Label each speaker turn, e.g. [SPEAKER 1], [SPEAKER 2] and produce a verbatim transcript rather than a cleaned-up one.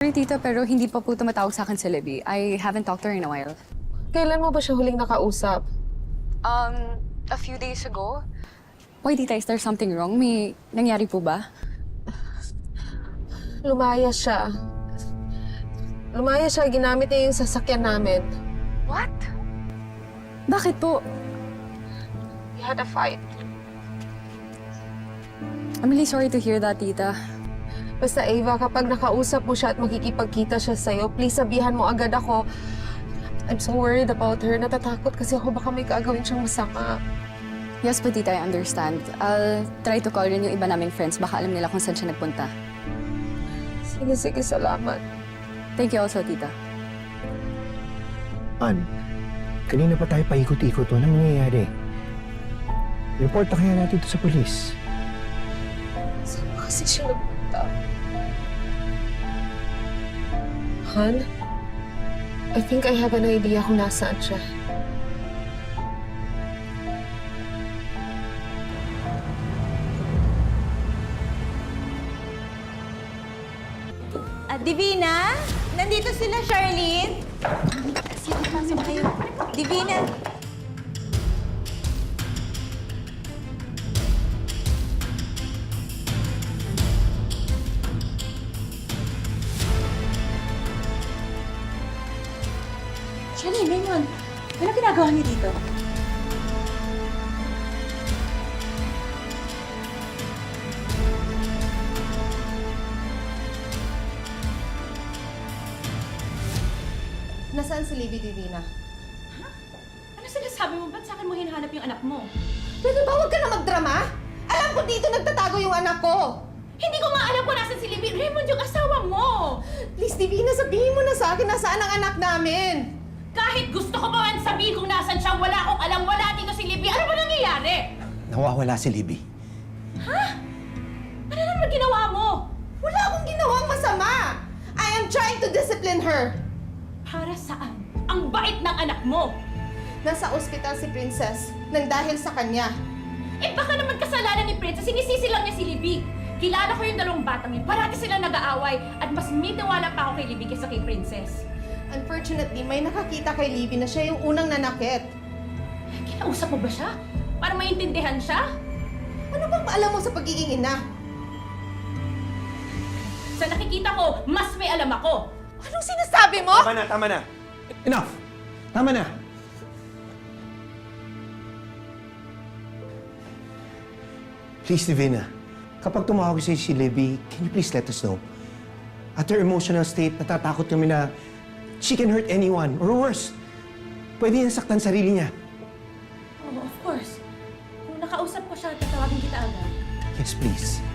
[SPEAKER 1] Sorry, tita, pero hindi pa po tumatawag sa akin si Libby. I haven't talked to her in a while.
[SPEAKER 2] Kailan mo ba siya huling nakausap?
[SPEAKER 1] Um, a few days ago. Why, tita, is there something wrong? May nangyari po ba?
[SPEAKER 2] Lumaya siya. Lumaya siya, ginamit niya yung sasakyan namin.
[SPEAKER 1] What? Bakit po?
[SPEAKER 2] We had a fight.
[SPEAKER 1] I'm really sorry to hear that, tita.
[SPEAKER 2] Basta Ava, kapag nakausap mo siya at makikipagkita siya sa'yo, please sabihan mo agad ako. I'm so worried about her. Natatakot kasi ako baka may kaagawin siyang masama.
[SPEAKER 1] Yes po, tita, I understand. I'll try to call rin yung iba naming friends. Baka alam nila kung saan siya nagpunta.
[SPEAKER 2] Sige, sige, salamat.
[SPEAKER 1] Thank you also, tita.
[SPEAKER 3] An, kanina pa tayo paikot-ikot. Anong nangyayari? Report na kaya natin ito sa polis.
[SPEAKER 2] Saan ba kasi siya nagpunta? Han? I think I have an idea kung nasaan siya.
[SPEAKER 4] Ah, Divina? Nandito sila, Charlene? Sige, pasok kayo. Divina? Charlene, Raymond, ano ginagawa niyo dito?
[SPEAKER 2] Nasaan si Libby, Divina?
[SPEAKER 4] Ano sinasabi mo? Ba't sa akin mo hinahanap yung anak mo?
[SPEAKER 5] Pwede ba huwag ka na magdrama? Alam ko dito nagtatago yung anak ko.
[SPEAKER 4] Hindi ko nga alam kung nasan si Libby. Raymond, yung asawa mo!
[SPEAKER 5] Please, Divina, sabihin mo na sa akin nasaan ang anak namin.
[SPEAKER 4] Kahit gusto ko pa man sabihin kung nasan siya, wala akong alam, wala dito si Libby. Ano ba nangyayari?
[SPEAKER 3] Nawawala si Libby.
[SPEAKER 4] Ano naman ginawa mo?
[SPEAKER 5] Wala akong ginawang masama. I am trying to discipline her.
[SPEAKER 4] Para saan? Ang bait ng anak mo!
[SPEAKER 5] Nasa ospital si Princess nang dahil sa kanya.
[SPEAKER 4] Eh baka naman kasalanan ni Princess, sinisisi lang niya si Libby. Kilala ko yung dalawang batang yun. Parati sila nag-aaway at mas may tiwala pa ako kay Libby kaysa kay Princess.
[SPEAKER 5] Unfortunately, may nakakita kay Libby na siya yung unang nanakit.
[SPEAKER 4] Kinausap mo ba siya? Para maintindihan siya?
[SPEAKER 5] Ano bang alam mo sa pagiging ina?
[SPEAKER 4] Sa nakikita ko, mas may alam ako.
[SPEAKER 5] Anong sinasabi mo?
[SPEAKER 3] Tama na, tama na. Enough! Tama na! Please, Divina. Kapag tumawag sa'yo si Libby, can you please let us know? At her emotional state, natatakot kami na she can hurt anyone, or worse, pwede niya saktan sarili niya.
[SPEAKER 4] Oh, of course. Kung nakausap ko siya, tatawagin kita agad.
[SPEAKER 3] Yes, please.